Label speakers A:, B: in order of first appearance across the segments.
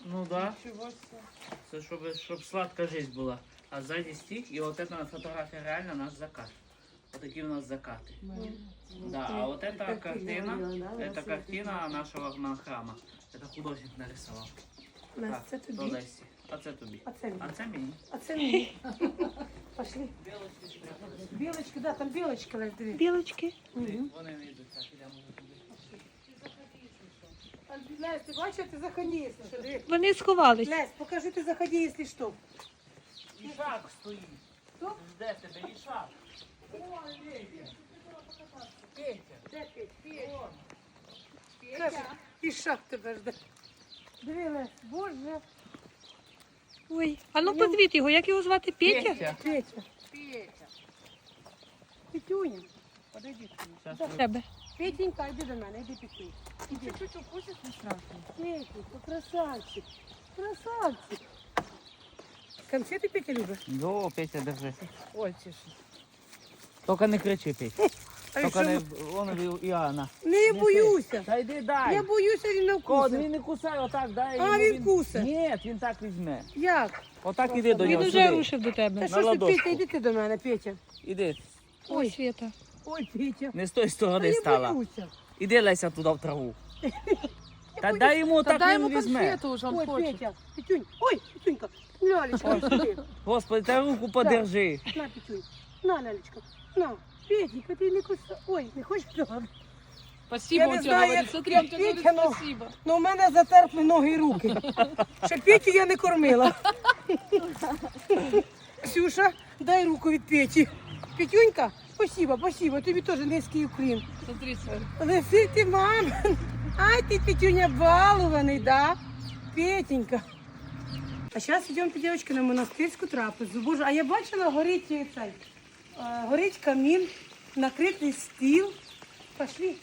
A: Ну да.
B: Ничего себе.
A: Це щоб сладка життя була. А ззаді стік, і от ця фотографія реально наш закат. Отакі у нас закати. Да, а вот эта картина, это картина нашего храма. Это художник нарисовал.
C: Настя, це
A: Так,
C: тобі.
A: до Лесі. А це тобі.
C: А це мені.
A: А це мені.
C: А це мені. Пошли. Білочки, да, там білочки лежать.
D: Білочки.
A: Вони не йдуть, так, ідемо туди.
C: Лесь, ти бачиш, ти заходи, якщо що. Диви.
D: Вони сховались.
C: Лесь, покажи, ти заходи, якщо що.
A: Ішак стоїть.
C: Хто?
A: Жде тебе, Ішак. Петя.
C: Де Петя? Каже, і шаг тебе жде. Диви, Лесь, боже.
D: Ой, а ну позвіть його, як його звати? Петя?
A: Петя.
C: Петя.
B: Петя.
C: Петюня. Подойди ко мне.
A: Щас
D: До
A: ви-
D: тебе.
C: Петенька, йди до мене, йди Петюнь.
B: Чуть-чуть укусит, не страшно.
C: Петенька, красавчик. Красавчик. Конфети Петя любиш?
A: Йо, Петя, держи.
B: Ой, тише.
A: Тільки не кричи, Петя.
C: А
A: Тільки
C: що
A: не,
C: ви-
A: вон Іоанна.
C: Не боюся.
A: Та йди дай.
C: Я боюся, він не
A: Кот,
C: вкусить.
A: він не кусає, отак дай.
C: А,
A: йому,
C: він кусить.
A: Ні, він так візьме.
C: Як?
A: Отак іди до
D: Він
A: нього
D: уже
A: сюди.
D: рушив до
C: Та
D: тебе.
C: що ж ти,
A: ладошку.
C: Петя, йди ти до мене, Петя.
A: Іди.
D: Ой, Свята.
C: Ой, Петя.
A: Не з тої
C: Та
A: сторони
C: я
A: стала.
C: боюся.
A: Іди, Леся, туди в траву. Та дай йому,
B: Да
A: так
B: дай
A: він
B: ему
A: візьме.
B: конфету уже, он
C: Ой,
B: хочет.
C: Петя. Петюнь. Ой, Петюнька. Лялечка, сюди.
A: Господи, та руку подержи.
C: На, Петюнь. На, Лялечка. На. Петенька, ти не кусай. Ой, не хочеш давати?
B: Спасибо,
C: Я
B: он
C: не
B: тебе
C: знаю,
B: говорит.
C: як-
B: Смотри,
C: як
B: он тебе говорит
C: Петя, ну.
B: спасибо.
C: Ну, у мене затерпли ноги і руки. Ще Петю я не кормила. Ксюша, дай руку від Петі. Петюнька, спасибо, спасибо. Тобі теж низький уклін.
B: Смотри, смотри.
C: Лиси ти, мам. Ай, ти, Петюня, балований, да? Петенька. А зараз йдемо, дівчатки, на монастирську трапезу. Боже, а я бачила, горить цей, горить камін, накритий стіл. Пошли.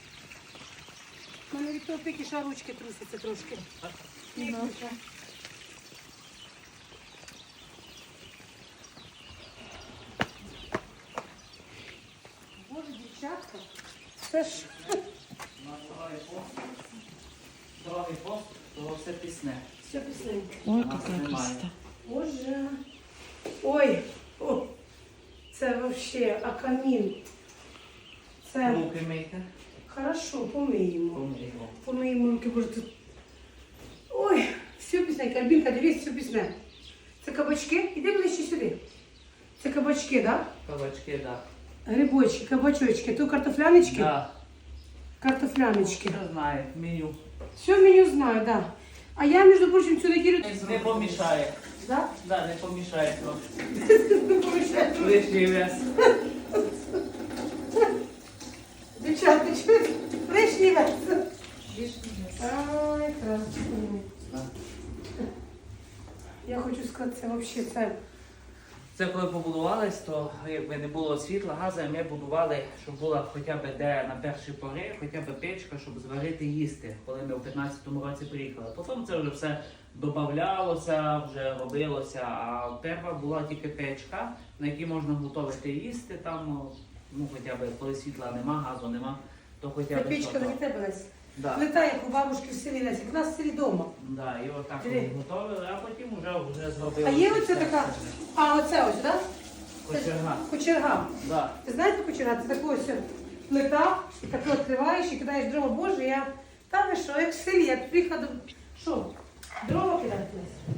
C: У мене від того пекіша ручки трусяться трошки. Пекіша. Боже, дівчатка, це ж...
A: Дорогий пост, то все пісне.
C: Все пісеньки.
D: Ой,
A: Нас
D: яка
A: немає.
D: красота.
C: Боже. Ой, о, це вообще, а камін. Це
A: Руки мийте.
C: хорошо, помиємо.
A: Помиймо.
C: Помиємо руки, боже, тут. Ой, все пісненьке. Альбінка, дивись, все пісне. Це кабачки? Іди ближче сюди. Це кабачки, так?
A: Кабачки, так.
C: Да? Грибочки, кабачочки. Тут картофлянички?
A: Да.
C: Картофлянички.
A: Хто знає, меню.
C: Все меню знаю, так. Да. А я, між прочим, цю неділю...
A: Не помішає.
C: Да?
A: Да, не помішає трошки.
C: Не помішаю.
A: Лишній вес.
C: Дівчата, чуєте? Лишній вес. Ай, красиво. Я хочу сказати, це взагалі це.
A: Це коли побудувались, то якби не було світла, газу, ми будували, щоб була хоча б де на перші пори, хоча б печка, щоб зварити їсти, коли ми в 15-му році приїхали. Потім це вже все додавалося, вже робилося, а перша була тільки печка, на якій можна готувати їсти, там, ну хоча б коли світла нема, газу нема, то хоча
C: Це
A: б
C: печка
A: що
C: не
A: то.
C: від тебе, Лесь.
A: Да.
C: Плита, як у бабушки в селі, Лесь, як у нас в селі вдома.
A: Да, і отак
C: Диви.
A: готували, а потім вже зробили.
C: А є оце така, а оце ось, так?
A: Кочерга.
C: Кочерга.
A: Да.
C: Ви знаєте кочерга? Це така ось плита, таке відкриваєш і кидаєш дрова. Боже, я, та ви що, як в селі, я тут приїхала, що, дрова кидати, Лесь?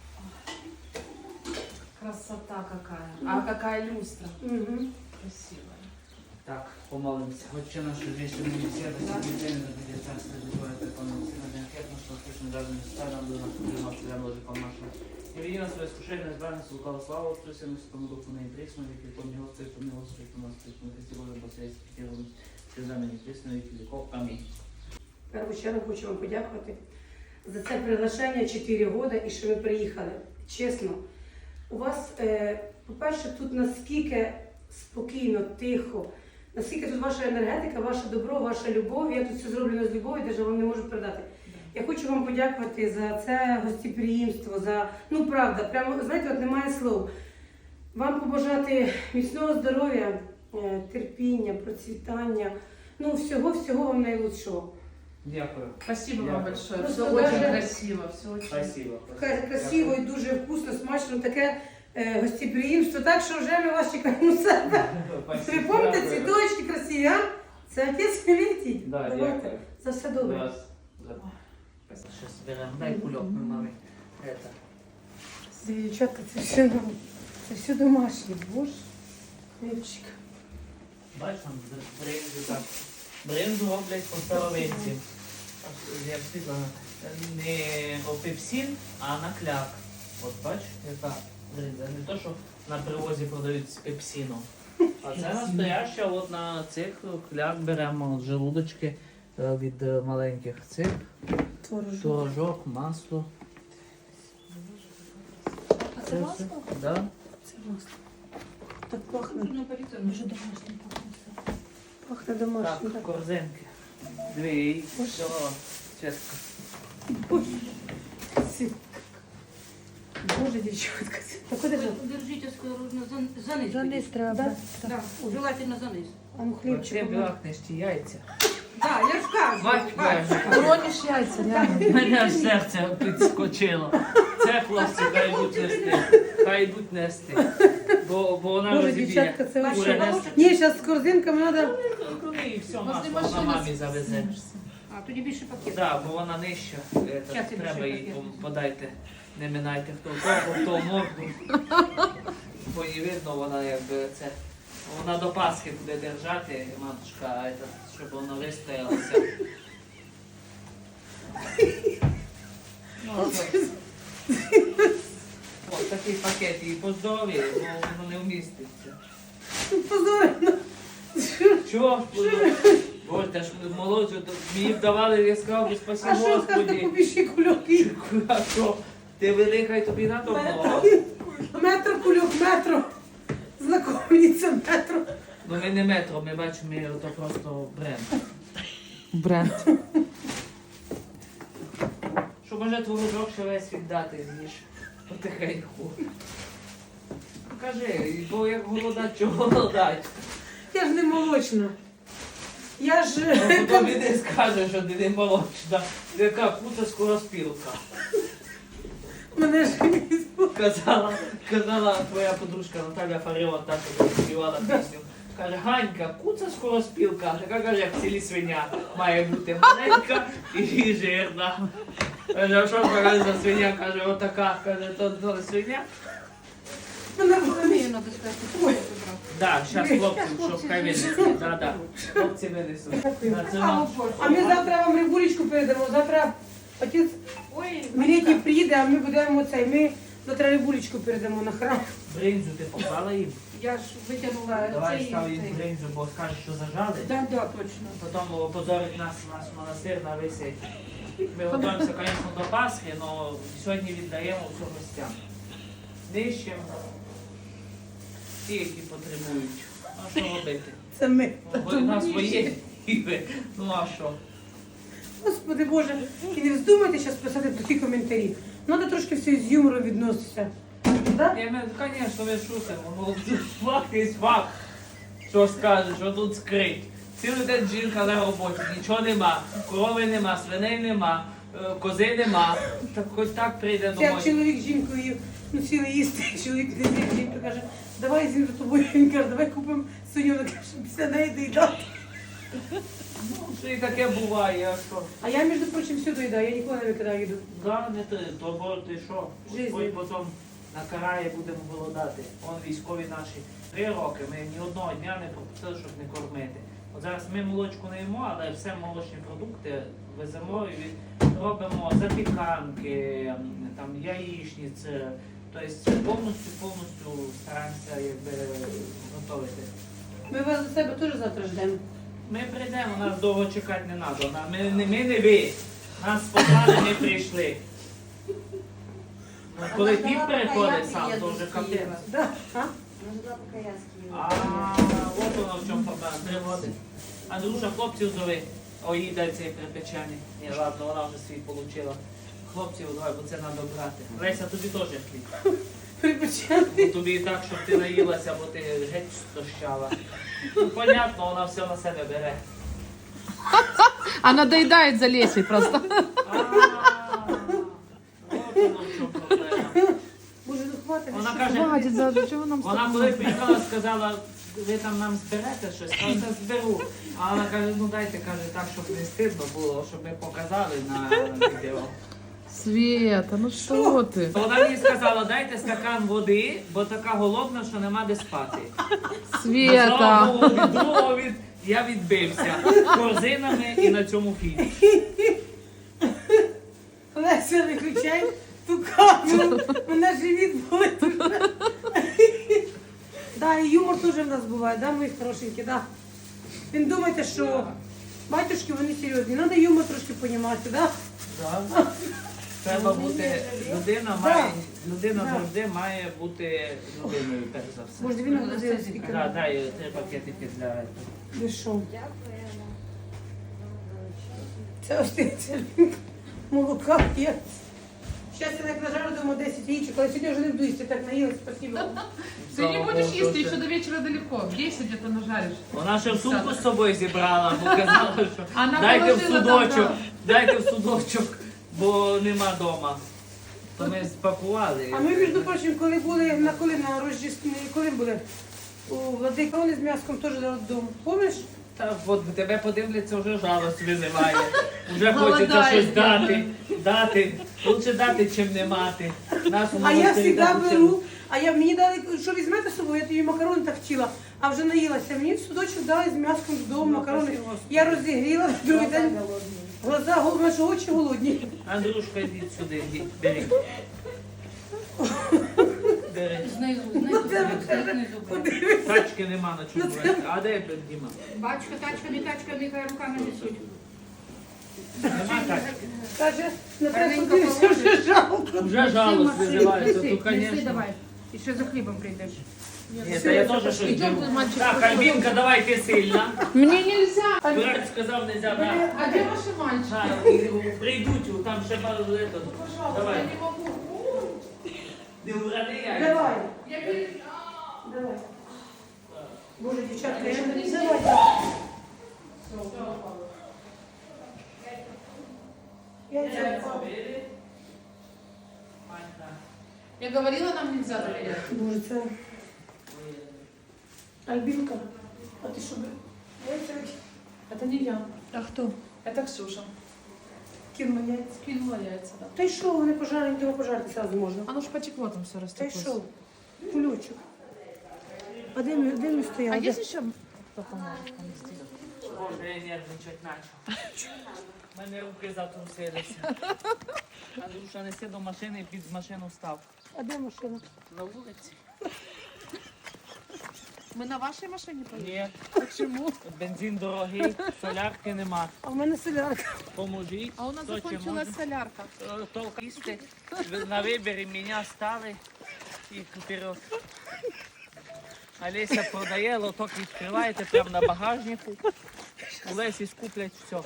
B: Красота какая. А какая люстра.
C: Угу.
B: Красивая.
A: Так, помолимся. Отче наш, вещи мы все, да сидим день, да будет царство, да твое, да помилуй, на день хлеб наш, насущный, даже не ставь нам, да нас принимал, тебя ложиком нашим. И веди нас в свое искушение, избави нас от лукавого, слава Отцу, Сыну, Святому Духу, ныне и присно, веки веков, не Отца, и помилуй, Господи, нас, Христу, на Христе Божьем, посредстве, первым, слезами, не присно, веки веков. Аминь.
C: В першу чергу хочу вам подякувати за це приглашення 4 роки і що ви приїхали. Чесно, у вас, по-перше, тут наскільки спокійно, тихо, наскільки тут ваша енергетика, ваше добро, ваша любов. Я тут все зроблено з любов'ю, навіть вам не можу передати. Я хочу вам подякувати за це гостеприємство, за, ну правда, прямо, знаєте, от немає слов. Вам побажати міцного здоров'я, терпіння, процвітання, ну всього-всього вам найлучшого.
A: Дякую.
B: Спасибо
A: Дякую.
B: вам большое.
C: Просто
B: Все очень
C: даже-
B: красиво, все очень.
A: Спасибо.
C: Красиво і дуже вкусно, смачно, таке гостеприємство. Так що вже ми вас чекаємо у себе.
A: Спасибо.
C: Ви пам'ятаєте,
A: Дякую.
C: цвіточки красиві, а? Це отець Мілетій.
A: Да,
C: Давайте.
A: дякую.
C: За все добре.
A: Раз. Сейчас берем. Дай кульок ми мамі. Это.
C: Дівчатка, це все домашнє, боже. Хлібчик.
A: Бачиш, там бринзу так. Бринзу роблять по старовинці. Я б сказала, не опепсин, а на кляк. От бачиш, яка бринза. Не то, що на привозі продають з пепсином. А це настояща, от на цих кляк беремо от желудочки від маленьких цих.
C: Творожок.
A: Творожок, масло.
B: А це масло?
A: Да.
C: Це масло. Так пахне.
B: Ну, поліція, дуже домашнє пахне.
C: Пахне домашнє.
A: Так, корзинки. Дві. Все. Чесно.
C: Боже, дівчатка. Так куди ж?
E: Держите осторожно, за низ.
D: За низ треба.
E: Да, желательно за низ.
C: А ну
A: Це
C: хлібчик.
A: бахнеш ті яйця.
E: Да, я ж кажу.
A: Бач,
B: Уронишь яйца, реально.
A: мене аж серце підскочило. Це хлопці хай йдуть нести. Хай йдуть нести. Бо вона
C: Боже,
A: розіб'є.
C: дівчатка, це
A: Буде
C: ваше.
A: нести.
C: Ні, зараз з корзинками треба.
A: Коли і все
B: Возле
A: масло вона
B: машины
A: мамі завезе.
B: снимешься.
E: А, тоді більше пакет.
A: Так, бо вона нижча.
E: Щас я
A: Треба
E: більше
A: їй
E: пакет.
A: подайте. Не минайте хто кого, хто морду. Бо їй видно, вона якби це. Вона до Пасхи буде держати, матушка, щоб вона вистоялася. Ну, що? Ось такий пакет їй по здоров'ю, бо воно не вміститься.
C: Позорно.
A: Чого? Боже, та ж молодшу, мені б давали, я сказав, спасибо
C: А що скажете
A: Господі.
C: побільші кульоки?
A: А що? Ти велика і тобі надо много.
C: Метр кульок, метро. Знакомиться метро.
A: Ну ми не метро, ми бачимо, то просто бренд.
B: Бренд.
A: Що може творожок ще весь віддати, з'їж потихеньку. Кажи, бо як голодать, чого голодать?
C: Я ж не молочна. Я ж...
A: Ну, тобі не скаже, що ти не молочна. Ти яка куца скороспілка.
C: Мене ж
A: Казала твоя подружка Наталя Фаріон, та, що співала пісню. Каже, Ганька, куца скороспілка, така каже, як в селі свиня. Має бути маленька і жирна. Каже, а що каже за свиня? Каже, отака, каже, то свиня.
C: мене
E: Мені треба сказати.
A: Да, зараз хлопці, щоб хай винесуть. Да. Хлопці винесуть. На це нам.
C: А ми завтра вам рибулечку передамо. Завтра отець
E: Ой,
C: Мілетій приїде, а ми будемо цей. Ми завтра рибулечку передамо на храм.
A: Бринзу ти поклала їм?
E: я ж витягнула
A: Давай
E: цей.
A: став їм бринзу, бо скажеш, що зажали.
E: Да, да, точно.
A: Потім опозорить нас наш монастир на висить. Ми готуємося, звісно, до Пасхи, але сьогодні віддаємо все гостям. Нищим ті, які потребують. А що робити?
C: Це ми.
A: Бо у нас свої іви. Ну а що?
C: Господи Боже, і не вздумайте зараз писати такі коментарі. Треба трошки все з юмором відноситися. Да?
A: Я ми, звісно, ми шутимо. Ну, факт є факт. Що скажеш, що тут скрить. Цілий день жінка на роботі, нічого нема, корови нема, свиней нема, кози нема. Так хоч так прийде
C: Це як
A: домой.
C: чоловік з жінкою ну, сіли їсти, чоловік не з'їв, жінка каже, давай з'їм за тобою. Він каже, давай купимо свиню, вона каже, після неї доїдати.
A: Ну, що і таке буває, а що?
C: А я, між прочим, все доїдаю, я ніколи не викидаю їду.
A: Да, не ти, то бо ти що?
C: Жизнь.
A: Господь потім накарає, будемо голодати. Вон військові наші 3 роки, ми ні одного дня не пропустили, щоб не кормити. От зараз ми молочку не їмо, але все молочні продукти веземо і робимо запіканки, там яєчниці. Тобто повністю стараємося якби готувати.
C: Ми вас до себе теж завтра ждемо.
A: Ми прийдемо, нас довго чекати не треба. Ми не ви. Нас послали, ми прийшли. Ну, коли піп приходить сам, то вже капець.
C: Да? А?
A: А от воно в чому проблема. 3 роки. Андрюша, хлопців зови. О, їй дай цей припечений. Ні, ладно, вона вже свій отримала. Хлопців давай, бо це треба брати. Леся, тобі теж хліб.
C: Припечений.
A: Ну, тобі і так, щоб ти наїлася, бо ти геть стощала. Ну, понятно, вона все на себе бере.
B: Она доедает за Лесей просто.
A: От воно в чому проблема.
C: Боже, ну хватить.
A: Вона
C: що?
A: каже,
B: Хватит, за чого нам
A: вона коли приїхала, сказала, ви там нам зберете щось, а я зберу. А вона каже, ну дайте, каже, так, щоб не стидно було, щоб ми показали на відео.
B: Света, ну що ти?
A: Вона мені сказала, дайте стакан води, бо така голодна, що нема де спати.
B: Света.
A: Слава Богу, від другого я відбився корзинами і на цьому фільмі.
C: Леся, виключай ту камеру. Мене живіт болить уже. Да, і юмор теж в нас буває, да, мої хорошенькі, да. Він думаєте, що батюшки, вони серйозні. Треба юмор трошки понімати, да?
A: Да. Треба бути, людина завжди має бути людиною, перш за все.
C: Може, він нагрузив скільки.
A: Да, дай 3 пакетики для этого.
C: Ви що? Це ось ти, це молока є. Зараз я так нажарю, думаю, 10 яєчок, але сьогодні вже не буду їсти, так наїлась, спасибо.
B: Ты не будешь
A: Богу,
B: есть,
A: що
B: еще
A: це.
B: до вечера далеко. В 10 где-то нажаришь.
A: Вона ще в сумку з собою зібрала, бо казала, що
B: Вона
A: дайте в
B: положила
A: судочок,
B: там,
A: дайте в судочок, бо нема вдома. То ми спакували.
C: А ми, між прочим, коли були на Рождество, коли були? У Владика вони з м'яском теж додому. Помниш?
A: Та от тебе подивляться, вже жалость визиває. Вже хочеться
B: Голодає.
A: щось дати. Лучше дати, чим не мати. Нас у
C: А я
A: монастирі
C: завжди
A: так учили.
C: беру, мені дали, що візьмете з собою, я тобі макарони так вчила, а вже наїлася. Мені в судочок дали з м'яском додому макарони. Я розігріла, другий день глаза голодні, наші очі голодні.
A: Андрюшка, йдіть сюди, йдіть, бери. Бери.
E: Знизу, знизу.
A: Тачки нема на чому вести. А де Діма?
E: Бачка, тачка, не тачка, нехай руками несуть.
A: Нема тачки.
C: Каже, не треба
E: Гарненько
C: подивитися,
E: положиш.
C: вже жалко.
A: Вже жалость визивається, то,
E: Неси
A: звісно.
E: давай. І ще за хлібом прийдеш.
A: Ні, та я теж щось
B: Ідем,
A: беру.
B: мальчик,
A: Так, Альбінка, давай ти сильна.
B: Мне нельзя.
A: Дурак сказав, нельзя, да.
B: А где ваши мальчики?
A: Так, і прийдуть, там ще пару лето. Давай.
B: Я не могу.
A: Не вради яйця.
C: Давай.
B: Я перед...
C: Давай. Боже, дівчатка, я не
B: Все.
C: давай. Яйця.
A: Бери. Манька.
B: Я говорила, нам нельзя доверять.
C: Боже, це Альбінка. А ти що? Яйця
B: Это не я.
E: А хто?
B: Это Ксюша.
C: кинула яйця.
B: Кинула яйца, да.
C: Та й що, вони пожарені, дома пожарити сразу можна.
B: Оно ж потекло там все
C: Та й
B: растеклось.
C: що? Кульочок. А де ми стояли?
B: А есть еще кто поможет понести?
A: Боже, я нервничать почав. У мене руки затрусилися. Андрюша, неси до машини, під машину став.
C: А де машина?
A: На вулиці?
B: Мы на вашей машине поедем?
A: Ні.
B: Почему?
A: Бензин дорогий, солярки нема.
C: А в мене солярка.
A: Поможіть.
B: А у нас
A: хто чим
B: закончилась
A: може.
B: солярка.
A: Толк їсти. Ви на виборі мене стали і вперед. Олеся продає, лоток відкриваєте прямо на багажнику. У Лесі скуплять все.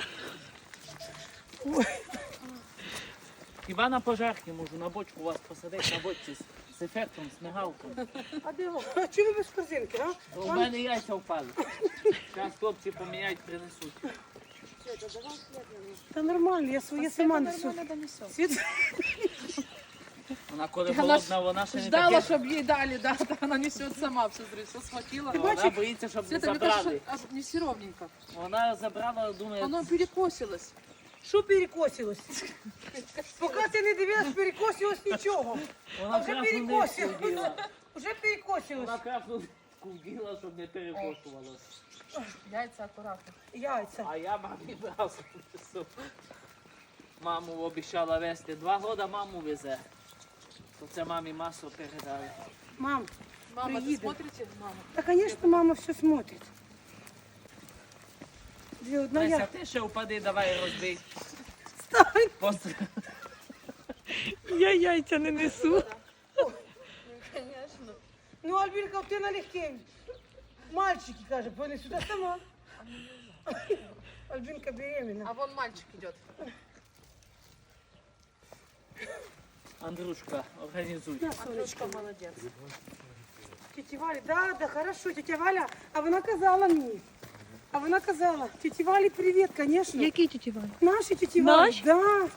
A: Хіба на пожарки можу на бочку вас посадити, на бочці з ефектом, з мигалком.
C: А де ви? А чого ви без корзинки, а?
A: У мене яйця впали. Зараз хлопці поміняють, принесуть.
C: Та нормально, я своє сама несу.
B: Нормально донесет.
C: Світ,
A: Вона коли
B: Она
A: голодна, вона ще не
B: Ждала,
A: таке.
B: чтобы ей дали, да, да, она несет сама, все, смотри, все схватила.
A: Вона боїться, щоб не
B: Света, мне
A: забрали.
B: кажется, аж неси ровненько.
A: Вона забрала, думає,
B: Оно перекосилось.
C: що перекосилось? Поки ти не дивилась, перекосилось нічого.
A: вона
C: вже
A: крапну нитку
C: перекосилось.
A: вділа.
C: Вже перекосилось.
A: Вона крапну нитку вділа, щоб не перекошувалося.
B: Яйца аккуратно.
C: Яйця.
A: А я мамі брав принесу. Маму обіцяла везти. 2 роки маму везе. То це мамі масу передали.
C: Мам,
B: Мама,
C: Приедет.
B: ты смотрите, мама?
C: та, звісно, мама все смотрить. Дві одна
A: Леся,
C: я.
A: ти ще впади, давай розбий.
C: Встань.
A: Просто
E: Я яйця не несу.
C: Ну, Альбінка, ти налегке. Мальчики, каже, вони сюди сама. Альбінка беременна.
B: А вон мальчик идет.
A: Андрюшка, організуй.
C: На, сонечко.
B: Молодец.
C: Тетя Валя, да, хорошо, тетя Валя, а вона казала мені. А вона казала, тіті Валі, привіт, звісно.
D: Який тіті Валя?
C: Наші тіті Валі.
D: Наші?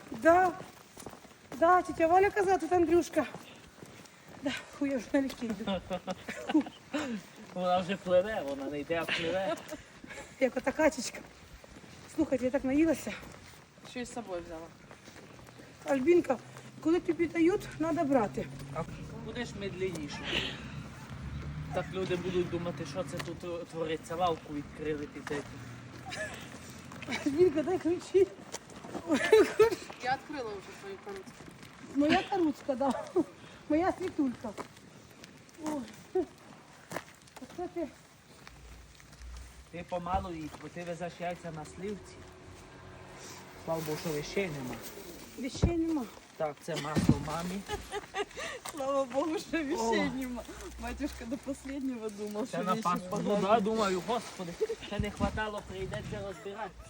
C: Да, тітя Валя казала, тут Андрюшка. Да, фу, я вже налегке йду.
A: Вона вже пливе, вона не йде, а пливе.
C: Як ота качечка. Слухайте, я так наїлася.
B: Ще й з собою взяла.
C: Альбінка, коли тобі дають, треба брати.
A: Будеш медленніше. Так люди будуть думати, що це тут твориться, лавку відкрили під цим.
C: Альбінка, дай ключі.
B: Я відкрила вже свою коробку.
C: Моя коруцька, да. Моя світулька. Ой. Оце ти.
A: Ти помалу їдь, бо ти везеш яйця на слівці. Слава Богу, що вещей нема.
C: Вещей нема.
A: Так, це масло мамі.
B: Слава Богу, що вещей нема. Батюшка до останнього думав,
A: Це
B: що
A: на
B: вещи
A: паспорт. Ну да, думаю, господи, ще не хватало, прийдеться розбиратися.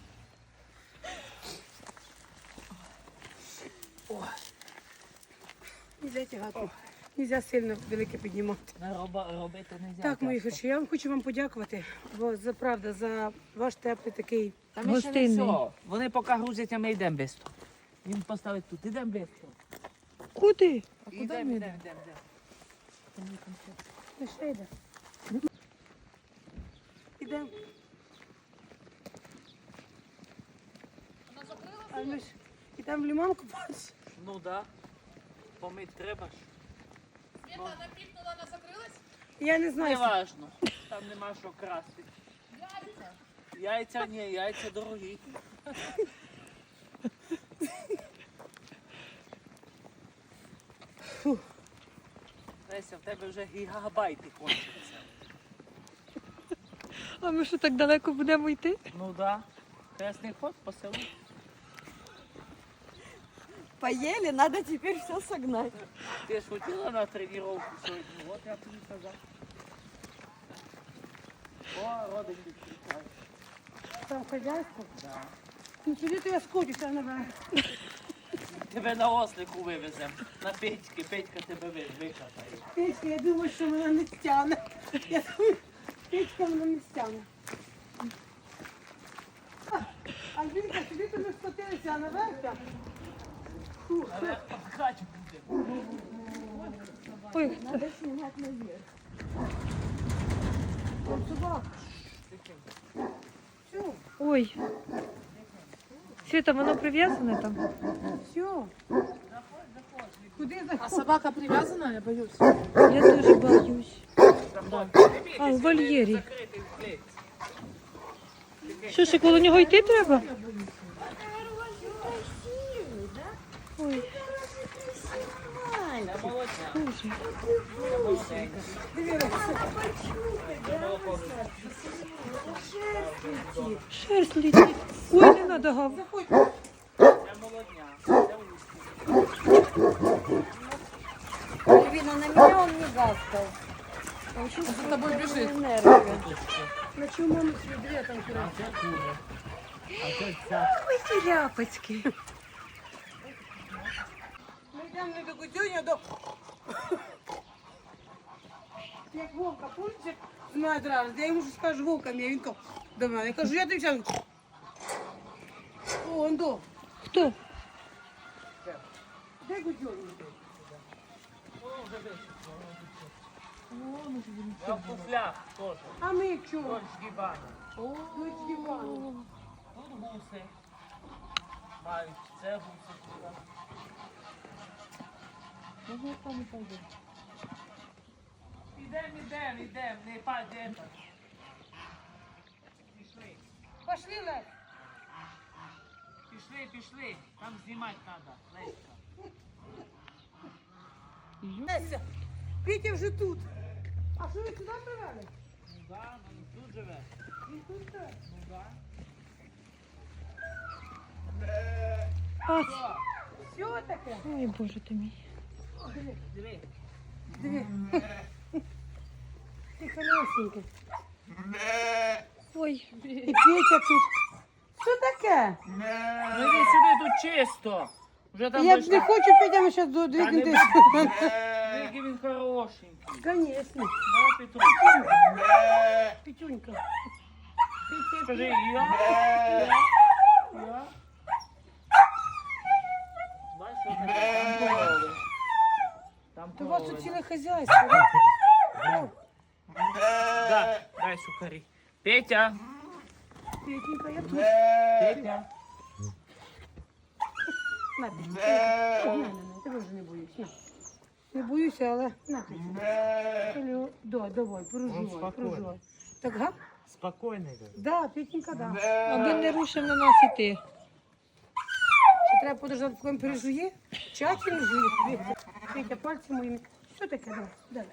C: Нельзя тягати. Нельзя сильно велике піднімати.
A: Робити не можна.
C: Так, мої хороші, я вам хочу вам подякувати, бо за правда, за ваш теплий такий.
A: Та ми ще не
D: Гостинний.
A: все. Вони поки грузять, а ми йдемо швидко. Він поставить тут. Ідемо швидко.
D: Куди?
A: Ідемо.
C: Ну, ще йде. Ідемо. А ми ж ідемо в лиман купатися.
A: Ну да. Помити треба ж.
C: Я не
A: Не
C: знаю.
A: важно. Там нема що красти. Яйця ні, яйця дорогі. Леся, в тебе вже гігабайти кончаться.
D: А ми що так далеко будемо йти?
A: Ну да. Кресний ход по селу.
F: Поели, надо теперь все согнать.
A: Ти ж хотіла на тренування сьогодні, от я тобі казав. О, родик відключає.
C: Там хазяйство.
A: Да.
C: Ну сюди то я скочуся наверх.
A: Тебе на ослику вивеземо. На Петьки. Петька тебе викатає.
C: Петька, я думаю, що мене не стягне. Я думаю, Петька мене не стягне. Альбінка, сюди то ми скотилися, а наверх там.
A: Але пахать буде.
D: Ой,
F: Надо снимать наверх.
C: Там собак. Все,
D: ой. Світа, воно прив'язане там?
C: все. Куди
B: А
C: заходиш?
B: собака прив'язана, я боюсь.
D: Я дуже боюсь.
A: Заходь.
D: А, в вольєрі.
A: Закритий в клітці.
D: Що, ще коло нього йти треба? Ой,
A: Це молодня.
D: Боже.
A: Це молоденька.
D: Шерсть летить. Ой, не надо гав.
A: Це молодня. Це узкий.
F: Альвина, на меня он не гавкал. Он
B: За
F: чувствует
B: тобой
F: мои
B: бежит.
F: нервы.
C: На чому маму свій дві там куди?
A: Це кури. А це ця.
D: Ой, ті ляпочки.
C: Ми йдемо не до Кутюні, а до... Як Вовка, помните, знає одразу, я йому щось кажу, Вовка мій, він каже, до мене. Я кажу, я тобі зараз... О, он до.
D: Хто?
C: Де Кутюні?
A: Я в туфлях теж.
C: А ми чого?
A: Дочки бані.
C: Дочки Вані.
A: Тут гуси. Мають. Це гуси. Ідем, не падемо. Пішли.
C: Пошли, Лесь.
A: Пішли. Там знімати треба. Леська.
C: Леся, Петя вже тут. А що ви сюди привели?
A: Ну да, він тут живе.
C: Він тут живе.
A: Ну да.
D: А,
C: Що таке?
D: ой, Боже ти мій.
A: Диви.
C: Диви. Ти холесенький.
D: Ой,
C: І Петя тут. Що таке?
A: Ну іди сюди, тут чисто. Вже там
C: Я б
A: дошла.
C: не хочу, Петя, ми зараз
A: Та не
C: двигнемо.
A: Який він хорошенький.
C: Конечно.
A: Да, Петро?
C: Петюнька.
A: Скажи, я. Бачиш, що таке? Там корови. Там
C: То у вас
A: корови.
C: тут ціле хазяйство, да?
A: Да, дай сухарі. Петя.
C: Петенька, я тут.
A: Петя.
C: На, Петя. На, тебе вже не боюсь. На. Не боюся, але на, Петя. Давай, проживай. Так, га?
G: Спокойный, говорю.
C: Да, Петенька, да.
D: Аби не рушив на нас іти.
C: Що треба подождати, поки він пережує? Тщательно жує. Петя, пальці моїми. Що таке? Давай.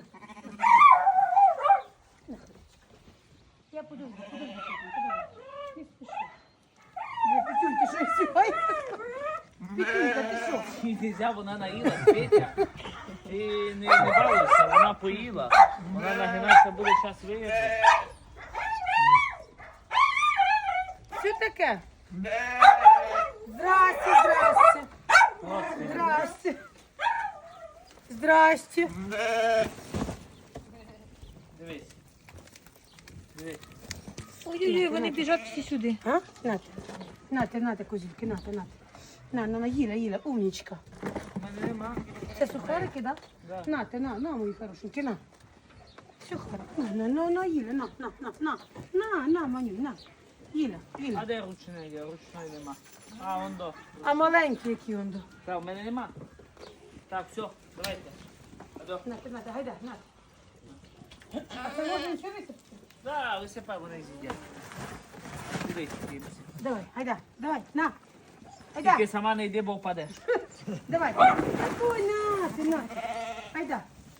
C: На, я подожду, Петенька, давай. Не спіши. Петюнь, ти що, сіваєш? Петюнька, ти що?
A: Нельзя, вона наїлась, Петя. Ти не балуйся, вона поїла. Вона нагинатися буде зараз виїхати.
C: Що таке? Здрасте. Здрасте.
A: Дивись. Дивись.
D: Ой-ой-ой, вони біжать всі сюди.
C: А? Нате, козівки, нате. На, Їля, умнічка.
A: У мене нема.
C: Це сухарики, да?
A: Да.
C: Нате, на, мої хорошенькі, на. Сухарик, на, Їля, на, Маню, на. Їля.
A: А де ручний є? Ручної нема. А, вон до.
C: А маленькі які он до.
A: Так, в мене нема. Так, все, давайте. Адо.
C: Нате, гайда, нате. А це можна нічого висипати?
A: Да, висипай, вони з'їдять. Дивись, дивись.
C: Давай, гайда, давай, на. Гайда.
A: Тільки сама не йди, бо впадеш.
C: Давай. Ой, на. Айда.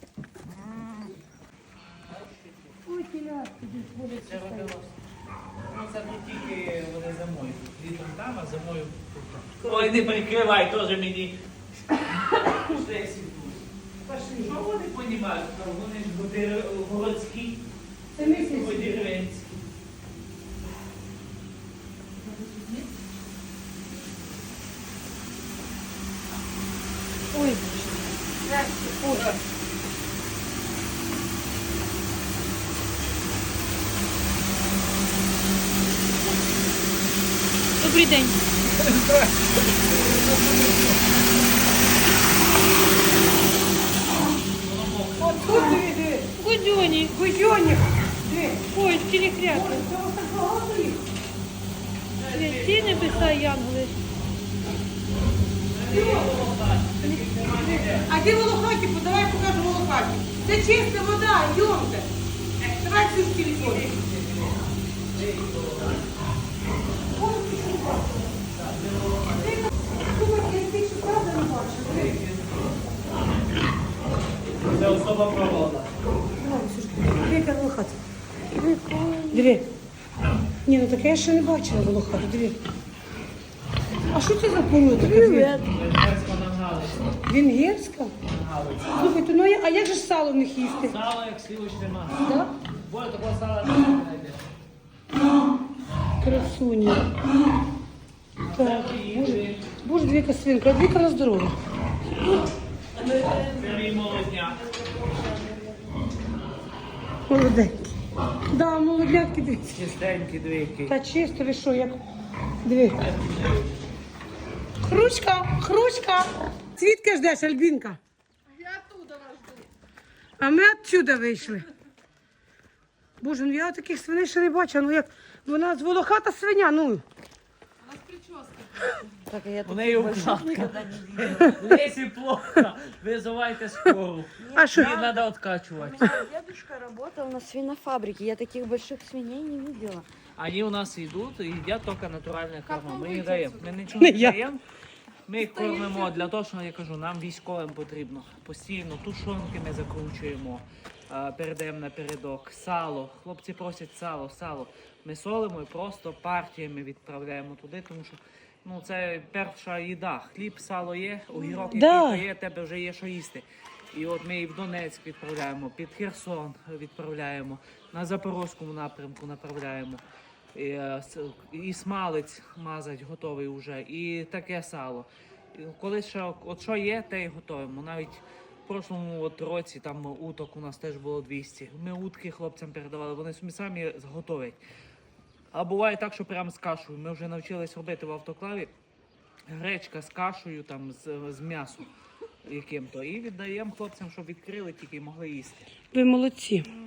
C: Ой, телятки, будуть.
A: Це робилось. Ну, це тут тільки вони зимою. Літом там, а зимою тут. Ой, не прикривай, теж мені. Що я сідую?
C: Пошли.
A: Що вони понімають? Вони ж городські,
C: Це місяць.
A: деревенські.
C: Ой. Ой.
D: Добрий день.
C: От тут диви.
D: Гудьоні.
C: Гудьоник. Диви.
D: Ой, цілі хряки.
C: Це ось так багато їх.
D: Святі небеса, янголи.
C: А де волохаті? Давай покажу волохаті. Це чиста вода, йдемте. Давай цю в телефон.
A: Це особа провода.
C: Яка волохата? Диви. Ні, ну таке я ще не бачила волохату, диви. А що це за порода?
A: Венгерська нангалиця.
C: Венгерська? Слухайте, ну а як же ж сало в них їсти?
A: Сало як сливочне масло.
C: Да?
A: Боже, такого сала не знайдеш.
C: Красуня. Так, боже, двіка свинка, а двіка на здоров'я.
A: Це мій молодняк.
C: Молоденький. Да, молодятки, дивіться.
A: Чистенький двійки.
C: Та чисто, ви що, як... Диви. Хручка. Цвітка ждеш, Альбінка?
B: Я оттуда вас жду.
C: А ми отсюда вийшли. Боже, ну я таких свиней ще не бачила, ну як... Вона з волохата свиня, ну.
B: У нас прическа.
A: У неї укладка. Лесі плохо. Визивайте скору.
C: А що?
A: Її треба відкачувати.
F: Дедушка работал на свинофабрике. Я таких больших свиней не видела.
A: Они у нас йдуть і їдять тільки натуральне корма.
B: вам
A: Ми їм
B: вийти
A: даємо.
B: отсюда?
A: Ми нічого не
C: Не я.
A: даємо. Ми їх кормимо для того, що я кажу, нам військовим потрібно. Постійно тушонки ми закручуємо, передаємо напередок, сало. Хлопці просять сало. Ми солимо і просто партіями відправляємо туди, тому що ну, це перша їда. Хліб, сало є, огірок
C: Да.
A: який є, тебе вже є що їсти. І от ми і в Донецьк відправляємо, під Херсон відправляємо, на Запорозькому напрямку направляємо. І смалець мазать готовий вже, і таке сало. І коли ще от що є, те й готуємо. Навіть в прошлому році там уток у нас теж було 200. Ми утки хлопцям передавали, вони самі готовлять. А буває так, що прямо з кашею. Ми вже навчились робити в автоклаві гречка з кашею, там, з м'ясом яким-то. І віддаємо хлопцям, щоб відкрили, тільки й могли їсти.
C: Ви молодці.